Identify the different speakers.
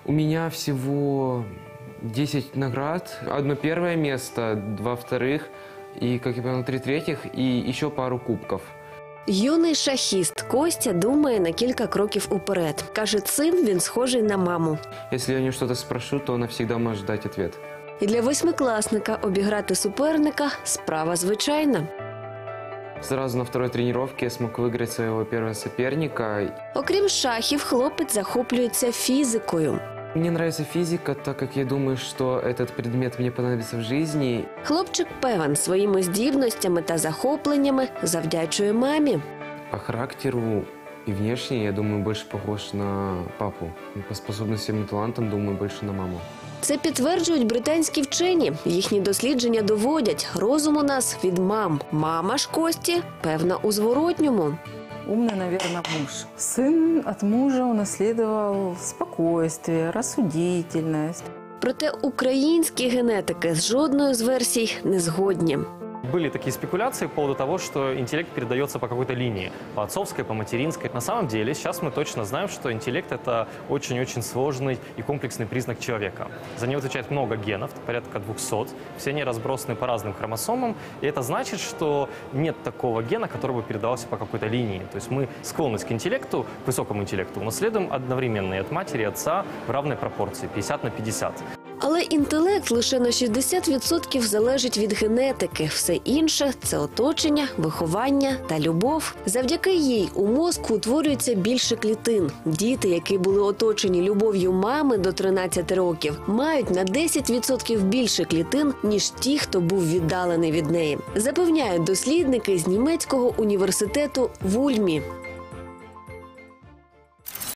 Speaker 1: У меня всего 10 наград. Одно первое место, 2 вторых и, как я понял, 3 третьих и еще пару кубков.
Speaker 2: Юний шахіст Костя думає на кілька кроків уперед. Каже, цим він схожий на маму.
Speaker 1: Если я у нее что-то спрошу, то она всегда может дать ответ.
Speaker 2: І для восьмикласника обіграти суперника – справа звичайна.
Speaker 1: Сразу на второй тренировке я смог выиграть своего первого соперника.
Speaker 2: Окрім шахів, хлопець захоплюється фізикою.
Speaker 1: Мне нравится физика, так как я думаю, что этот предмет мне понадобится в жизни.
Speaker 2: Хлопчик певен, своїми здібностями та захопленнями завдячує мамі.
Speaker 1: По характеру и внешне, я думаю, больше похож на папу. По способностям и талантам, думаю, больше на маму.
Speaker 2: Це підтверджують британські вчені. Їхні дослідження доводять, розум у нас від мам. Мама ж Кості, певна, у зворотньому.
Speaker 3: Умный, наверное, муж. Сын от мужа унаследовал спокойствие, рассудительность.
Speaker 2: Проте українські генетики з жодною з версій не згодні.
Speaker 4: Были такие спекуляции по поводу того, что интеллект передается по какой-то линии, по отцовской, по материнской. На самом деле, сейчас мы точно знаем, что интеллект – это очень-очень сложный и комплексный признак человека. За него отвечает много генов, порядка 200. Все они разбросаны по разным хромосомам. И это значит, что нет такого гена, который бы передавался по какой-то линии. То есть мы склонность к интеллекту, к высокому интеллекту, унаследуем одновременно и от матери, и отца в равной пропорции, 50 на 50.
Speaker 2: Але інтелект лише на 60% залежить від генетики. Все інше – це оточення, виховання та любов. Завдяки їй у мозку утворюється більше клітин. Діти, які були оточені любов'ю мами до 13 років, мають на 10% більше клітин, ніж ті, хто був віддалений від неї. Запевняють дослідники з німецького університету в Ульмі.